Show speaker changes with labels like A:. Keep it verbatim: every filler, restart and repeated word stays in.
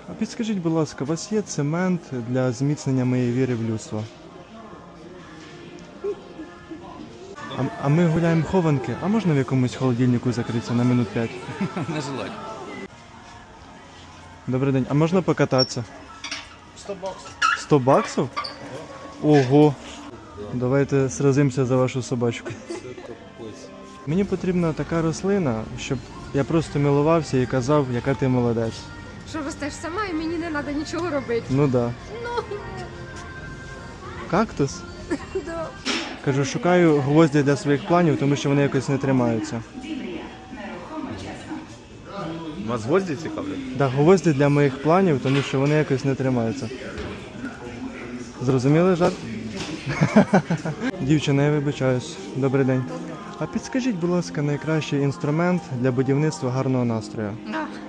A: А підскажіть, будь ласка, у вас є цемент для зміцнення моєї віри в людство? А, а ми гуляємо хованки, а можна в якомусь холодильнику закритися на минут п'ять?
B: Не желать.
A: Добрий день, а можна покататися?
B: сто баксов.
A: сто баксів? Ого! Давайте сразимося за вашу собачку. Мені потрібна така рослина, щоб я просто милувався і казав, яка ти молодець.
C: Що ростеш сама і мені не треба нічого робити.
A: Ну да.
C: Ну,
A: Кактус?
C: да.
A: Кажу, шукаю гвозді для своїх планів, тому що вони якось не тримаються.
B: Вас гвозді цікавлять?
A: Да, гвозді для моїх планів, тому що вони якось не тримаються. Зрозуміли жарт? Дівчина, я вибачаюсь. Добрий день. А підскажіть, будь ласка, найкращий інструмент для будівництва гарного настрою?
C: А,